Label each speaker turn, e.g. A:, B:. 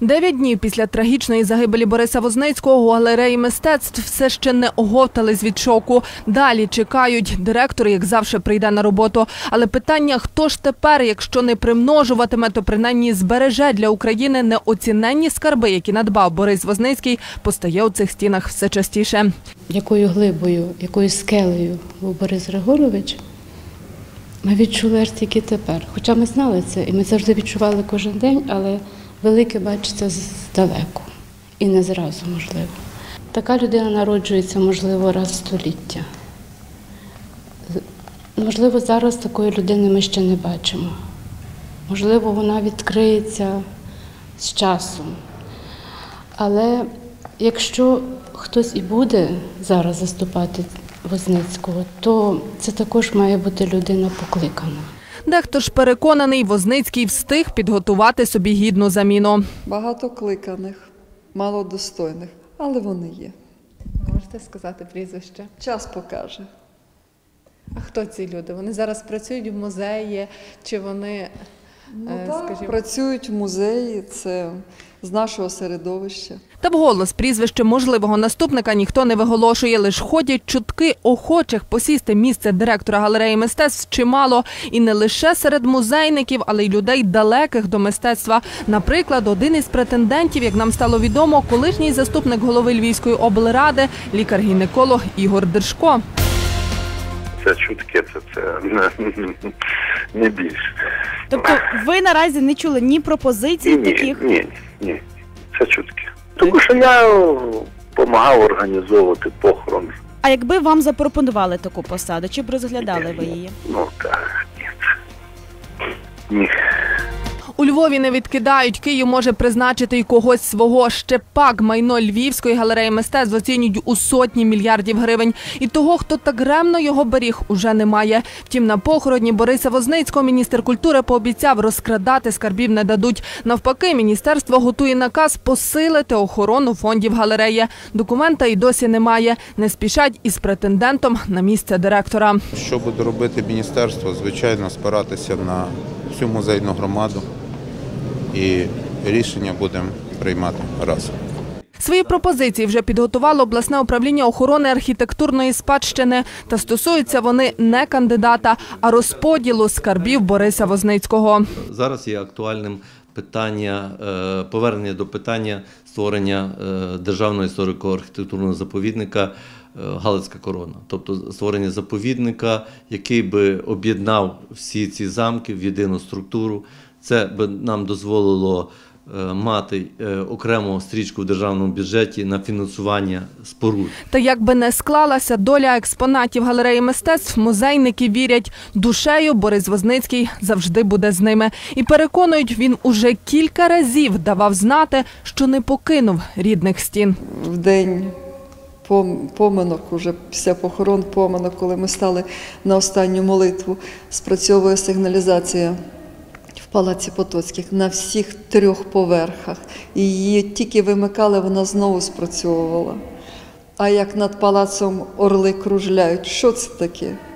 A: 9 днів після трагічної загибелі Бориса Возницького у галереї мистецтв все ще не оговтались від шоку. Далі чекають. Директор, як завжди, прийде на роботу. Але питання, хто ж тепер, якщо не примножуватиме, то принаймні збереже для України неоціненні скарби, які надбав Борис Возницький, постає у цих стінах все частіше.
B: Якою глибою, якою скелею був Борис Григорович, ми відчули аж тільки тепер. Хоча ми знали це, і ми завжди відчували кожен день, але велике бачиться здалеку. І не зразу, можливо. Така людина народжується, можливо, раз в століття. Можливо, зараз такої людини ми ще не бачимо. Можливо, вона відкриється з часом. Але якщо хтось і буде зараз заступати Возницького, то це також має бути людина покликана.
A: Дехто ж переконаний, Возницький встиг підготувати собі гідну заміну.
C: Багато кликаних, мало достойних, але вони є.
D: Можете сказати прізвище?
C: Час покаже.
D: А хто ці люди? Вони зараз працюють в музеї, чи вони, скажімо...
C: Працюють в музеї, це з нашого середовища.
A: Та вголос прізвище можливого наступника ніхто не виголошує. Лиш ходять чутки, охочих посісти місце директора галереї мистецтв чимало. І не лише серед музейників, але й людей далеких до мистецтва. Наприклад, один із претендентів, як нам стало відомо, колишній заступник голови Львівської облради, лікар-гінеколог Ігор Держко.
E: Це чутки, це не більше.
F: Тобто ви наразі не чули ні пропозицій таких?
E: Ні, це чутки. Тому що я допомагав організовувати похорон.
F: А якби вам запропонували таку посаду, чи б розглядали ви її?
E: Ну так, ні.
A: У Львові не відкидають, Київ може призначити й когось свого. Ще пак майно Львівської галереї мистецтв оцінюють у сотні мільярдів гривень. І того, хто так ремно його беріг, уже немає. Втім, на похороні Бориса Возницького міністр культури пообіцяв, розкрадати скарбів не дадуть. Навпаки, міністерство готує наказ посилити охорону фондів галереї. Документа й досі немає. Не спішать із претендентом на місце директора.
G: Що буде робити міністерство? Звичайно, спиратися на всю музейну громаду. І рішення будемо приймати разом.
A: Свої пропозиції вже підготувало обласне управління охорони архітектурної спадщини. Та стосуються вони не кандидата, а розподілу скарбів Бориса Возницького.
H: Зараз є актуальним питання, повернення до питання створення державного історико-архітектурного заповідника «Галицька корона». Тобто створення заповідника, який би об'єднав всі ці замки в єдину структуру. Це б нам дозволило мати окрему стрічку в державному бюджеті на фінансування споруд.
A: Та як би не склалася доля експонатів галереї мистецтв, музейники вірять, душею Борис Возницький завжди буде з ними. І переконують, він уже кілька разів давав знати, що не покинув рідних стін.
C: В день поминок, уже після похорон поминок, коли ми стали на останню молитву, спрацьовує сигналізація в Палаці Потоцьких на всіх 3 поверхах. І її тільки вимикали, вона знову спрацьовувала. А як над палацом орли кружляють, що це таке?